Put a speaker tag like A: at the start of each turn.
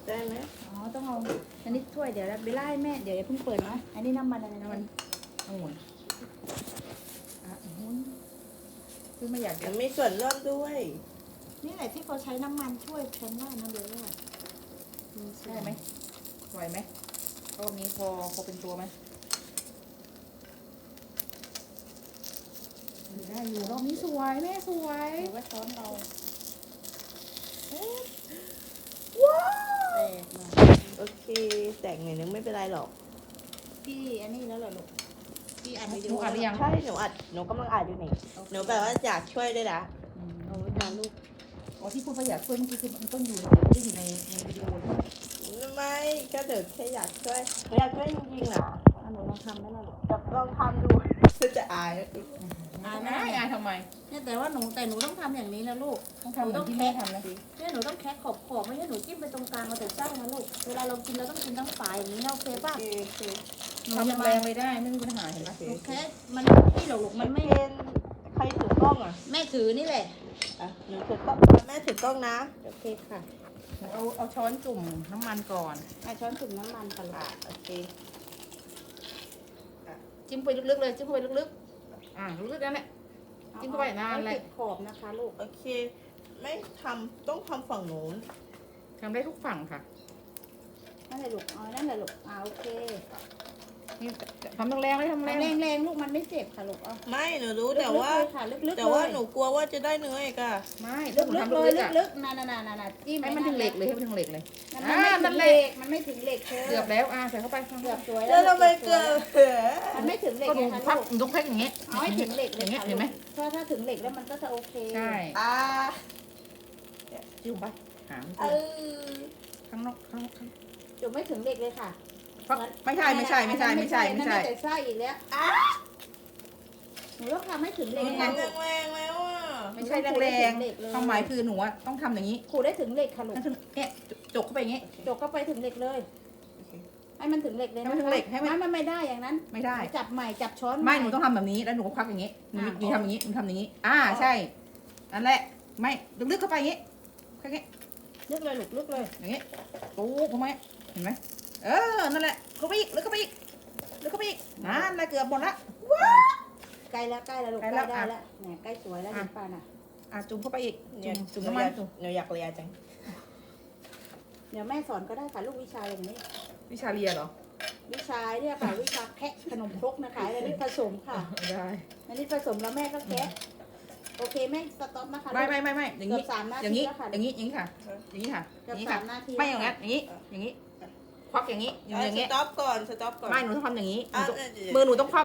A: ได้ไหม
B: อ๋อต้องเอาอันนี้ถ้วยเดี๋ยวเบลล่าให้แม่เดี๋ยวอย่าเพิ่งเปิดนะอันนี้น้ำมันอะไรน้ำมันองุ่นคือไม่อยาก
A: มันมีส่วนร่วมด้วย
B: นี่แหละที่เขาใช้น้ำมันช่วยฉันว่านะเบลล่าได้ไหมไหวไหมรอบนี้พอเป็นตัวไหมได้อยู่รอบนี้สวยแม่สวยว่าช้อนเราว้าว
A: โอเคแต่งหน่อยนึงไม่เป็นไรหรอก
B: พี่อันนี้แล้วเหรอลูกพี่อัดวิดี
C: ห
B: โอ
C: นูอัดหรือยัง
A: ใช่หนูกำลังอ่านอยู่นี่หนูแบบว่าอยากช่วยด้วยนะเอาไว้ทานลูก
C: อ๋อที่พูดว่าอยากช่วยเมื่อกี้คือมันต้องอยู่ในวิดีโอ
A: ไม่ก็เดี๋ยวแค่อยากช่วยหนูอยากช่วยจริงๆนะ
B: หนูลองทำได้แล้วลูก
A: จะลองทำดูจะอาย
C: ไม่อายทำไม
B: เนี่ยแต่ว่าหนูต้องทำอย่างนี้นะลูก
C: ต้องทำเหมือนที่แม่ทำนะ
B: เนี่ยหนูต้องแคะขอบไม่ใช่หนูจิ้มไปตรงกลางเอาแต่ไส้นะลูกเวลาเรากินเราต้องกินทั้งฝายอย่างนี้นะโอเคป่ะ
A: โอเค
B: หนู
C: ทำ
B: จะ
C: แร
B: มาง
C: เลยได้ไม่มีปัญหาเห็นไหม
B: หนูแคะมันที่หรอกลูกมันไม่
A: ใครถือกล้องอ่ะ
B: แม่ถือนี่แหละ
A: อ่ะหนูถือกล้องแม่ถือกล้องนะ
B: โอเคค่ะ
C: เอาช้อนจุ่มน้ำมันก่อน
B: ช้อนจุ่มน้ำมันค่ะลูก
A: โอเค
C: จิ้มไปลึกๆเลยจิ้มเข้าไปลึกๆลึกๆนั่นแหละจิ้มเข้าไปนานเลย
B: ติดขอบนะคะลูก
A: โอเค ไม่ทำต้องทำฝั่งโน้น
C: ทำได้ทุกฝั่งค่ะ
B: นั่นแหละลูกนั่นแหละลูกโอเค
C: นี่ทำแรงๆเลยทำแรง
B: แรงลูกมันไม่เจ็บค่ะลูก
A: ไม่หนูรู้แต่ว่า
B: ลึกๆ
A: แต่ว่าหนูกลัวว่าจะได้เนื้ออีกอะ
C: ไม่
B: ลึ
C: ถ้าก หนู
B: ๆเลย
C: ทำลึกๆอ่ะ
B: ลึกๆนั่นจิ้ม
C: ให้มันถึงเหล็กเลยให้มันถึงเหล็กเลย
B: มันไม่ถึงเหล็กเธอ
C: เกือบแล้วใส่เข้าไป
B: เกือบสวย
A: แล้วทำไมเกิด
B: มันไม่ถึงเหล็ก
C: ก็ดู
B: นะคะ
C: พับ
B: ลูก
C: ยกแพ็กอย่างเงี้ย
B: เอาให้ถึงเหล็กเล
C: อยย่างเงี้ย
B: ค่ะ
C: เห็นไหม
B: ถ้าถึงเหล็กแล้วมันก็จะโอเค
C: ใช่
A: อ่า
C: จิ้มไปหาง
A: เออ
C: ข้างนอกข้าง
B: จุดไม่ถึงเหล็กเลยค่ะ
C: ไม่ใช่
B: นั่นไม่แต่ไส้อีกแล้วหนูต้องทำให้ถึงเหล็ก
A: มัน
B: นะ
A: ทำแรงๆแล้วอ่ะ
C: ไม่ใช่แรงๆความหมายคือหนูต้องทำอย่างนี้
B: ขูดได้ถึงเหล็กค่ะลูก
C: เนี่ยจกเข้าไปอย่างงี้
B: จกก็ไปถึงเหล็กเลย ให้มันถึงเหล็กเลย
C: ให้มันถึงเหล็กให้มัน
B: มันไม่ได้อย่างนั้น
C: ไม่ได้
B: จับใหม่จับช้อน
C: ไม่หนูต้องทำแบบนี้แล้วหนูก็ควักอย่างนี้หนูทำอย่างนี้หนูทำอย่างนี้ใช่นั่นแหละไม่ลึกๆเข้าไปอย่างนี้แค่นี้
B: ลึกเลยลูกลึกเลย
C: อย่างนี้ปุ๊บเข้ามาเห็นไหมนั่นแหละเข้าไปอีกลึกเข้าไปอีกลึกเข้าไปอีกนั่นแหละเกือบหมดละ
B: ใกล้แล้วลูก
C: ใกล้
B: ใก
C: แล้
B: ล้ว ได้แล้วเนี่ยใกล้สวยแล้วเห็นป่ะน่ะ
C: จุ่มเข้าไปอีก
A: เนี่ย
C: จุ่มน้ำมัน
A: หนูอยากเรียนจัง
B: เดี๋ยวแม่สอนก็ได้ค่ะลูกวิชาอย่างนี้
C: วิชาเรียนเหรอ
B: วิชาเนี่ยค่ะวิชาแคะขนมครกนะคะอันนี้ผสมค่ะ
C: ได้
B: อันนี้ผสมแล้วแม่ก็แคะโอเคแม่สต็อปนะคะ
C: ไม่อย่างนี้
B: เกือบ3 นา
C: อย่าง
B: ที
C: นี้
B: แล้วค่ะ
C: อย่างนี้อย่างนี้ค่ะอย่างนี้ค่ะอ
B: เกือบ
C: ย่างนี้ค่ะ
B: 3 นาที
C: ไม่อย่างนั้นอย่างนี้อย่างนี้ควักอย่างนี้อย่าง
A: ส
C: นี้
A: ต็อปก่อน
C: ไม่หนูต้องทำอย่างนี้
A: อ่ะ
C: มือหนูต้องควัก